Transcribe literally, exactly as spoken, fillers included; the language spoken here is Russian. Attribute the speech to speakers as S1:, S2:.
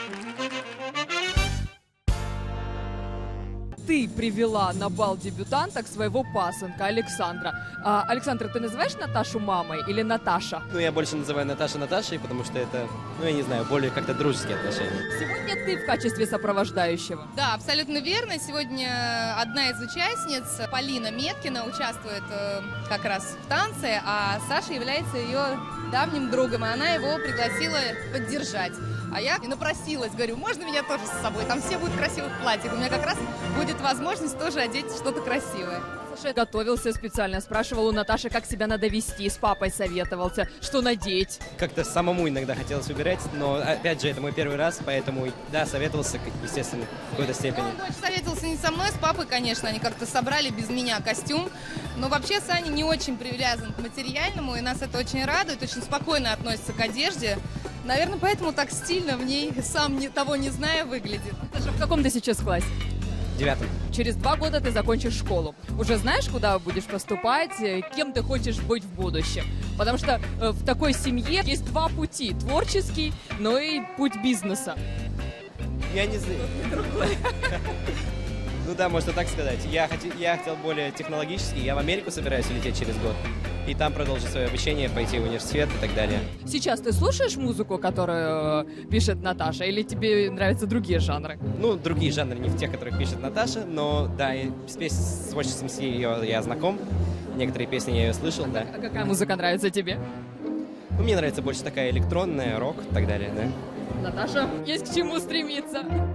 S1: Ты привела на бал дебютанток своего пасынка Александра. А, Александр, ты называешь Наташу мамой или Наташа?
S2: Ну, я больше называю Наташа Наташей, потому что это, ну, я не знаю, более как-то дружеские отношения.
S1: Сегодня ты в качестве сопровождающего.
S3: Да, абсолютно верно. Сегодня одна из участниц, Полина Меткина, участвует э, как раз в танце, а Саша является ее давним другом, и она его пригласила поддержать. А я и напросилась, говорю, можно меня тоже с собой? Там все будут в красивых платьях. У меня как раз будет возможность тоже одеть что-то красивое.
S1: Саша готовился специально, спрашивал у Наташи, как себя надо вести, с папой советовался, что надеть.
S2: Как-то самому иногда хотелось выбирать, но, опять же, это мой первый раз, поэтому, да, советовался, естественно, в какой-то степени.
S3: Он больше советовался не со мной, с папой, конечно. Они как-то собрали без меня костюм. Но вообще Саня не очень привязан к материальному, и нас это очень радует, очень спокойно относится к одежде. Наверное, поэтому так стильно в ней, сам не, того не зная, выглядит.
S1: Саша, в каком ты сейчас классе?
S2: Девятым.
S1: Через два года ты закончишь школу. Уже знаешь, куда будешь поступать, э, кем ты хочешь быть в будущем? Потому что э, в такой семье есть два пути. Творческий, но и путь бизнеса.
S2: Я не знаю. Ну да, можно так сказать. Я, хоти, я хотел более технологический. Я в Америку собираюсь лететь через год. И там продолжить свое обучение, пойти в университет и так далее.
S1: Сейчас ты слушаешь музыку, которую э, пишет Наташа, или тебе нравятся другие жанры?
S2: Ну, другие жанры, не в тех, которых пишет Наташа, но да, и с, пес... с творчеством с ее я знаком. Некоторые песни я ее слышал, да.
S1: А какая музыка нравится тебе?
S2: Ну, мне нравится больше такая электронная, рок и так далее, да.
S1: Наташа, есть к чему стремиться.